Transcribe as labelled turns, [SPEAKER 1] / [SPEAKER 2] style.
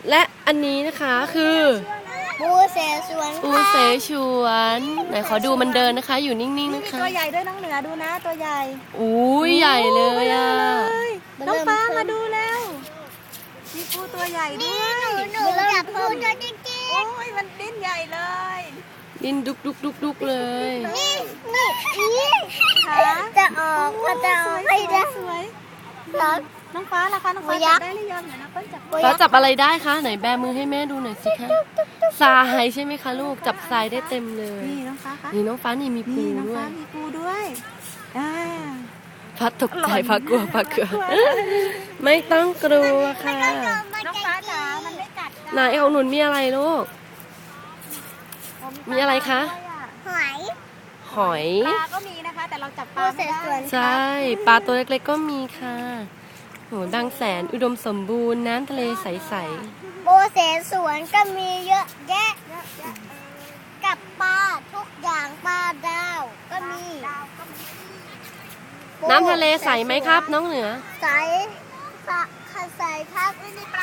[SPEAKER 1] และอันนี้นะคะคือ
[SPEAKER 2] ปูเสฉวน
[SPEAKER 1] ปูเสฉวนไหนขอดูมันเดินนะคะ อยู่นิ่งๆนะคะ
[SPEAKER 3] ตัวใหญ่ด้วยน้องเหนือดูนะตัวใหญ่
[SPEAKER 1] อุ้ยใหญ่เลยอ่ะ
[SPEAKER 3] น้องฟ้ามาดูแล้วมีปูตัวใหญ่ด้วย
[SPEAKER 2] หนูจับปูตัวจริง
[SPEAKER 3] โอ้ยมันดิ้นใหญ่เลย
[SPEAKER 1] ดิ้นดุกเลย
[SPEAKER 2] ๆนี่
[SPEAKER 3] ขา
[SPEAKER 2] จะออกก็จะออกให้ได้
[SPEAKER 3] สวย
[SPEAKER 2] แล้ว
[SPEAKER 3] น้องฟ้าล่ะคะน้องฟ้าจับได้หรือยังเดี๋ยวนะเปิ้ลจับ
[SPEAKER 1] ฟ้าจับอะไรได้คะไหนแบมือให้แม่ดูหน่อยสิคะทรายใช่ไหมคะลูกจับทรายได้เต็มเลย
[SPEAKER 3] นี่น้องฟ้าคะ
[SPEAKER 1] นี่น้องฟ้านี่มีปู
[SPEAKER 3] นี่น้อง
[SPEAKER 1] ด้ว
[SPEAKER 3] ฟ้ายมีปูด้วย
[SPEAKER 1] ฟ้าตกใจฟ้ากลัวฟ้ากลัวไม่ต้องกลัวค่ะ
[SPEAKER 3] น้องฟ้าจ๋ามันไม่กัด
[SPEAKER 1] ไหนของหนุนมีอะไรลูกมีอะไรคะ
[SPEAKER 2] หอย
[SPEAKER 1] หอย
[SPEAKER 3] ปลาก็มีนะคะแต่เราจับป
[SPEAKER 2] ปู
[SPEAKER 3] ลา
[SPEAKER 2] เส
[SPEAKER 3] ไม่
[SPEAKER 2] ฉ
[SPEAKER 3] ได้
[SPEAKER 2] วน
[SPEAKER 1] ใช่ปลาตัวเล็กๆก็มีค่ะโหบางแสนอุดมสมบูรณ์น้ำทะเลใส
[SPEAKER 2] ปูเสฉวนก็มีเยอะแยะกับปลาทุกอย่างปลาดาวก็มี
[SPEAKER 1] ๆน้ำทะเลใสไหมครับ น้องเหนือ
[SPEAKER 2] ใสใสครับ
[SPEAKER 3] มีปลา